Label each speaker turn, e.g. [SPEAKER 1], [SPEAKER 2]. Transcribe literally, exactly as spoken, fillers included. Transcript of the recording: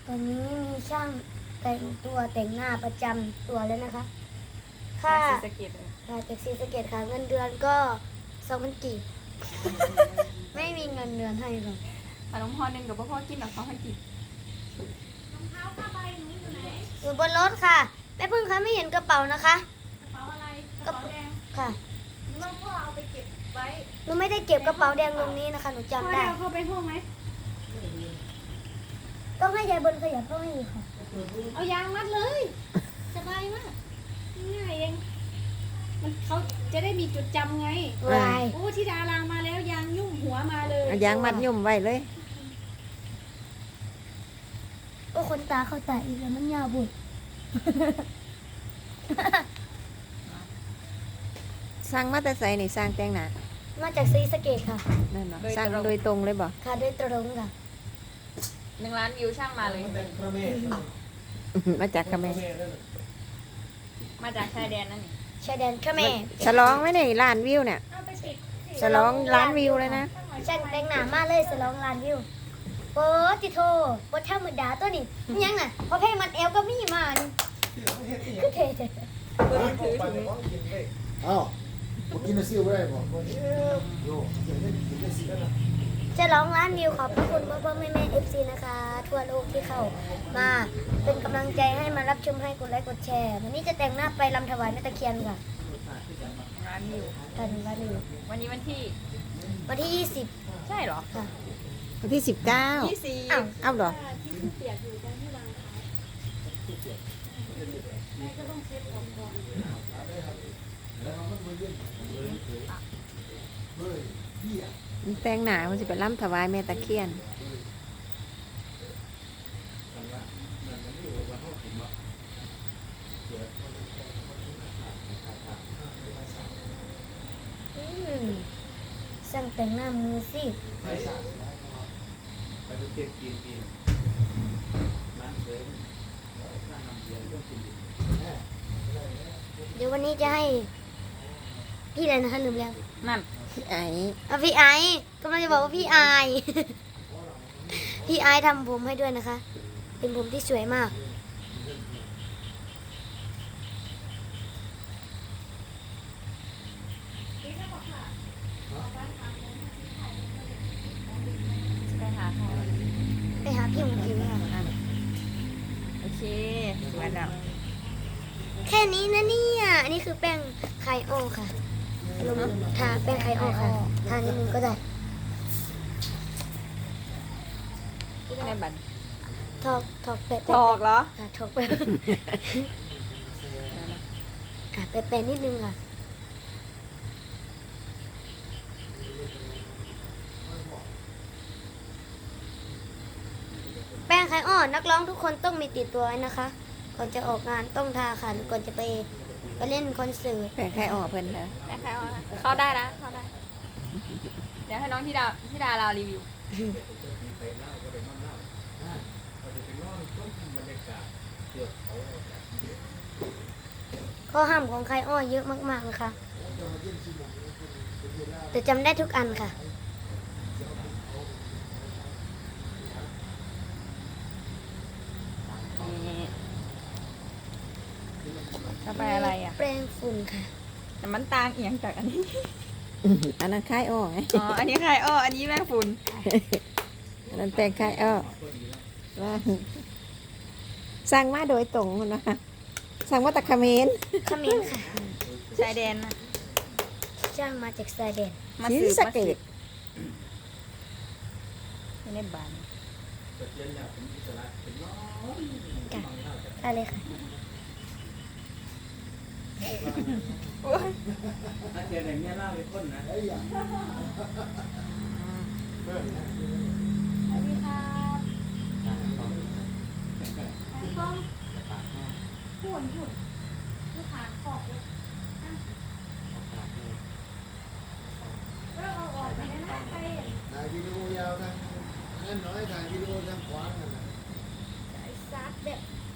[SPEAKER 1] ตอนนี้มีช่างแต่งตัวแต่งหน้าประจำตัวแล้วนะคะค่า
[SPEAKER 2] สเก็ตเลย
[SPEAKER 1] ค่าจากซีสะเกตค่ะเงินเดือนก็สองพันกีบ ไม่มีเงินเดือนให้หรอก
[SPEAKER 2] ขนมพอหนึ่งกับพ่อกินหรอกเขาให้กิน
[SPEAKER 1] อยู่บนรถค่ะแม่พึ่งคะไม่เห็นกระเป๋านะคะ
[SPEAKER 2] กระเป๋าอะไรกระเป๋าแดง
[SPEAKER 1] ค่ะ
[SPEAKER 2] น้องพ่อเอาไปเก็บไว้
[SPEAKER 1] หนูไม่ได้เก็บกระเป๋าแดงตรงนี้นะคะหนู
[SPEAKER 2] พ่อ
[SPEAKER 1] จำ
[SPEAKER 2] ได้
[SPEAKER 1] ได้
[SPEAKER 2] เอาเข้าไปห้องไหม
[SPEAKER 1] ต้องให้ยายบนขยับเข้าให้อีกค่ะ
[SPEAKER 2] เอายางมัดเลยสบายมากง่ายเองมันเขาจะได้มีจุดจำไง
[SPEAKER 1] วาย
[SPEAKER 2] โอ้ที่ดารางมาแล้วยางยุ่งหัวมาเลย
[SPEAKER 3] เอายางมัดยุ่มไว้เลย
[SPEAKER 1] โอ้คนตาเข้าตาอีกแล้วมันยาวบุด
[SPEAKER 3] สร้างมาแต่ใส่นี่สร้างแต่งหน้า
[SPEAKER 1] มาจากซีสะเกตค่ะ
[SPEAKER 3] นั่นเนาะสร้างโดยตรงเลยบ่
[SPEAKER 1] ค่ะโดยตรงค่ะ
[SPEAKER 2] หนึ่งล้านวิวช่างมาเลย
[SPEAKER 3] มาจากเขมร
[SPEAKER 2] มาจากชายแดนนั่นนี่
[SPEAKER 1] ชายแดนเขมร
[SPEAKER 3] ฉลองไหมเนี่ยล้านวิวเนี่ย
[SPEAKER 2] เอาไปติด
[SPEAKER 3] ฉลองล้านวิวเลยนะ
[SPEAKER 1] ช่างแต่งหน้ามาเลยสลองล้านวิวโอ้ติโทโอ้ธรรมดาตัวนี้มันยังน่ะพอเพลงมันเอวก็มีมานี่คือเท่
[SPEAKER 4] อ้าวกินซิ่วได้บ่โย่กินได้สินะ
[SPEAKER 1] ๆจะร้องล้านวิวขอบพระคุณพ่อพ่อแม่แม่เอฟซีนะคะ ทั่วโลกที่เข้ามาเป็นกำลังใจให้มารับชมให้กดไลค์กดแชร์วันนี้จะแต่งหน้าไปลำถวายแม่ตะเคียนค่ะ
[SPEAKER 2] ล้านวิว
[SPEAKER 1] ตอนนี้ล้านวิว
[SPEAKER 2] วันนี้วันที่
[SPEAKER 1] วันที่ยี่สิบ
[SPEAKER 2] ใช่เหรอ
[SPEAKER 1] ค่ะ
[SPEAKER 3] วันที่สิบเก้า
[SPEAKER 2] ยี่สิบ
[SPEAKER 1] อ้าว
[SPEAKER 3] เอ้าเหรอ มันแต่งหน้ามันสิไปล้ำถวายแม่ตะเคียน
[SPEAKER 1] อืมช่างแต่งหน้ามือสิเดี๋ยววันนี้จะให้ พี่อะไรนะคะลืมแล้ว
[SPEAKER 2] นั่น
[SPEAKER 3] พี่ไอ้
[SPEAKER 1] อ่ะพี่ไอซ์กำลังจะบอกว่าพี่ไอซ์ พี่ไอซ์ทำผมให้ด้วยนะคะ เป็นผมที่สวยมาก
[SPEAKER 2] ไปหาใคร
[SPEAKER 1] ไปหาพี่หมูผิวค่ะ
[SPEAKER 2] โอเคสวยแล้ว
[SPEAKER 1] แค่นี้นะเนี่ยอันนี้คือแป้งไข่โอค่ะลงทาแป้งไข่โอค่ะ ทานิดนึงก็ได้
[SPEAKER 2] ที่เป็นในบัตร
[SPEAKER 1] ทอกทอกแปะ
[SPEAKER 2] ถอกเหรอ
[SPEAKER 1] ค่ะทอกแปะ อ่ะแปะแปะนิดนึงค่ะ แป้งไข่อ้อนักร้องทุกคนต้องมีติดตัวไว้นะคะ ก่อนจะออกงานต้องทาค่ะก่อนจะไปไปเล่นคอนเสิร์ต
[SPEAKER 3] แปลงใครออกเพิ่นเถอะ
[SPEAKER 2] ได้ใครเอานะเข้าได้นะเข้าได้ เดี๋ยวให้น้องที่ดาที่ดาเรารีวิว
[SPEAKER 1] ข้อห้ามของไข่อ้อเยอะมากๆนะคะแต่จำได้ทุกอันค่ะ
[SPEAKER 2] นี่ต่อไปอะไรอ่ะ
[SPEAKER 1] แปรงฝุ่นค่ะ
[SPEAKER 2] แต่มันต่างเอียงจากอันนี้
[SPEAKER 3] อันนั้นคายออกไง
[SPEAKER 2] อ๋อ อันนี้ใครอ้ออันนี้แม่ฝุ่น
[SPEAKER 3] อันนั้นแปลงคายออกว่าสร้างมาโดยตรงคนนะคะสร้างมาจากเขมร
[SPEAKER 1] ขมิ้นค่ะ
[SPEAKER 2] ชายแดนนะ
[SPEAKER 1] จ้างมาจากสายแดน
[SPEAKER 2] มา
[SPEAKER 3] ศรี
[SPEAKER 2] สืบ
[SPEAKER 3] สะ
[SPEAKER 2] มา
[SPEAKER 3] เก
[SPEAKER 2] สื
[SPEAKER 3] ษ
[SPEAKER 2] บไม่ได้บาน
[SPEAKER 1] ค่ะอะไรค่ะ
[SPEAKER 5] ถ้าเจออย่างนี้ยเล่าไปต้นนะ
[SPEAKER 1] สวัสดีค่ะพูดพูดลูกค้าขอบเลยเราเอาออกไปได้นะไป
[SPEAKER 4] ถ่ายวิดีโอยาวกันนั่นน้อยถ่ายวิดีโอทางขวางกันนะ
[SPEAKER 1] ซัดแบบ